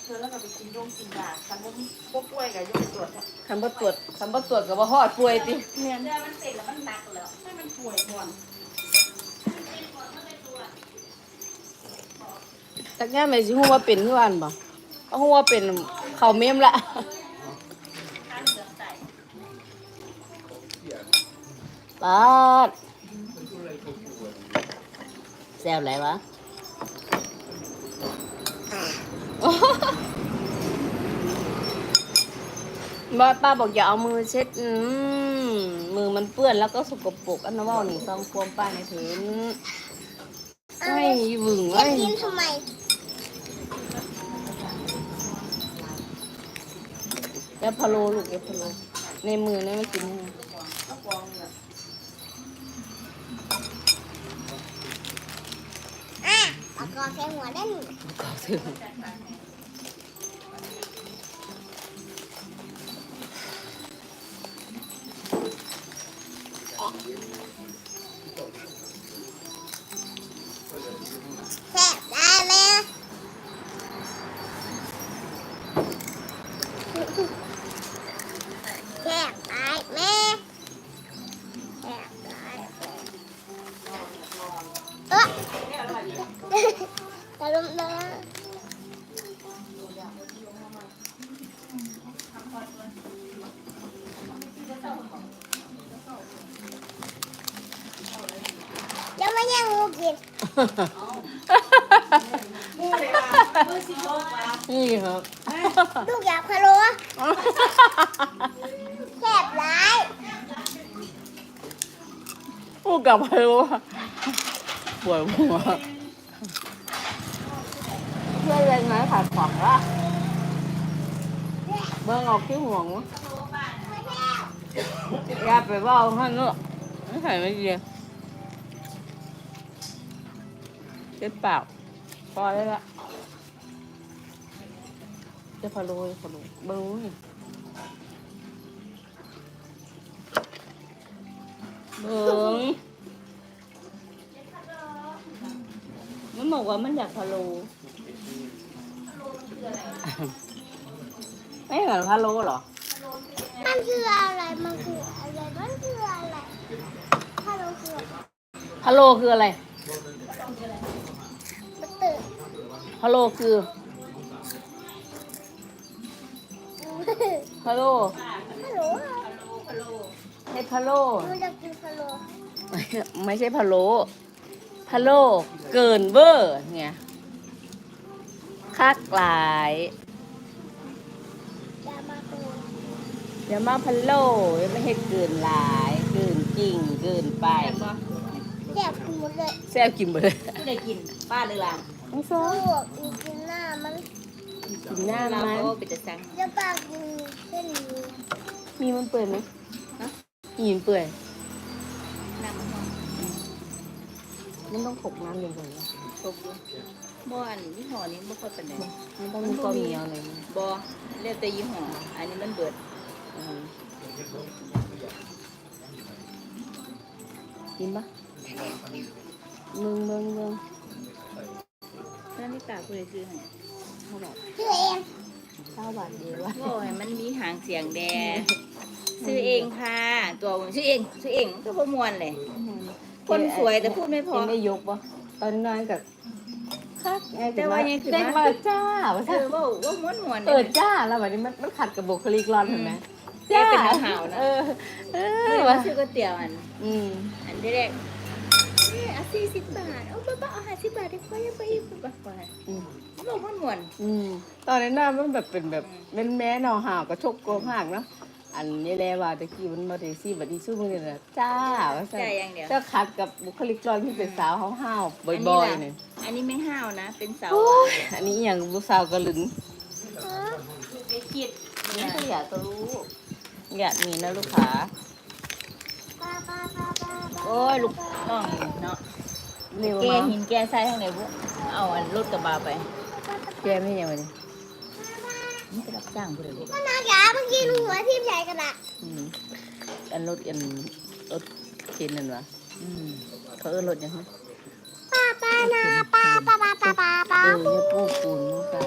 เธอแล้วก็ไปกินยาคันบ่ป่วยก็ยกตรวจคันบ่ตรวจก็บ่ฮอดป่วยติเนี่ยเนื้อมันเป็นแล้วมันหนักแล้วให้มันป่วยก่อนจักแง่แม่สิฮู้ว่าเป็นคืออันบ่ก็ฮู้ว่าเป็นเข้าเมมละปาดแซ่บหลายวะป้าบอกอย่าเอามือเช็ดมือมันเปื้อนแล้วก็สกปรกอันนั้นว่านี่ฟังความป้าในถึงไม่หวึงไอ้กินทำไมแกพะโลลูกแกพะโลในมือนี่ไม่กินไงปากกอแค่หัวได้หนึ่งก็ถึงแซ่บได้ไหมแซ่บได้ไหมแซ่บได้ตะลุมเลยยังไม่ยังงูกินนี่ครับลูกอยากพะโล้แซ่บร้ายพูดกับพะโลปวดหัวเพื่อนเล่นไหมขาดขวางละเบิ่งออกที่ห่วงอย่าไปว่าท่านเนอะไม่ใส่ไม่ดีเจ็บปากพอได้ละจะพะโลเบิ่งนี่เบิ่งมันบอกว่ามันอยากพะโลไม่เหมือนพะโลเหรอมันคืออะไรมันคืออะไรมันคืออะไรพะโล้คืออะไรพะโลคืออะไรมันตื่นพะโลคือพะโลพะโล้ให้พะโลมันจะกินพะโล้ไม่ใช่พะโลพะโลเกินเวอร์เนี่ยคักหลายอย่ามาตื่นอย่ามาพะโลไม่ให้เกินหลายเกินจริงเกินไปแซ่บกินหมดเลยแซ่บกินหมดเลยไม่ได้กินป้าเลยล่ะน้องโซ่ลูกกินหน้ามันกินหน้ามันไปจะสั่งจะปากกินเส้นนี้มีมันเปื่อยไหมมีมันเปื่อยน้ำมันมันต้องขบน้ำอย่างไรตกอยู่บ่อันยี่ห้อนี้บ่ค่อยเป็นไหนมันต้องมีก้อนเหนียวอะไรไหมบ่เรียกแต่ยี่ห้ออันนี้มันเบิดกินปะเมืองนั่นไม่กล้าพูดเลยซื้อให้เท่าบาทชื่อเอง 9 บาทเดียววะโอ้ยมันมีหางเสียงแดงซื้อเองค่ะตัวผมซื้อเองก็บ่ม่วนเลยคนสวยแต่พูดไม่พอไม่ยกปะตอนนั้นกับคักไงแต่ว่ายังคือเด้งมาจ้าว่าเออว่าม่วนๆจ้าแล้วแบบนี้มันขัดกับบุคลิกร้อนเห็นไหมแจ้เป็นหาวๆนะเออว่าซื้อก๋วยเตี๋ยวอันอืมอันที่แรกเอา40 บาทเอาบ้าเอา50 บาทได้ค่อยไปอีกบ่ค่อยอืมบอกม่วนตอนนั้นน่ะมันแบบเป็นแบบเป็นแม่นอห่าวกระชกโกงห่างเนาะอันนี้แหละว่าตะกี้มันมาได้ซี่บัดนี้สู้มึงเนี่ยนะจ้าว่าๆใจอย่างเดียวจะขัดกับบุคลิกร้อนที่เป็นสาวห้าวๆบ่อยๆเนี่ยอันนี้ไม่ห้าวนะ เป็นเสาอันนี้อย่างบุสาวกระลึงไปคิดนี่ก็อยากจะรู้อยากมีนะลูกค้าป้าโอ้ยลูกน้องเนาะเร็วแกเนาะหินแกทรายทางไหนบุเอาอันรถกระบะไปแกไม่ยังไงนี่ไปรับจ้างผู้ใดลูกก็น่าจ๋าเมื่อกี้หนูหัวทิ่มใหญ่กันอะอันรถเข็นนั่นวะเขารถยังไงป้านาป้าเออจะปูปูน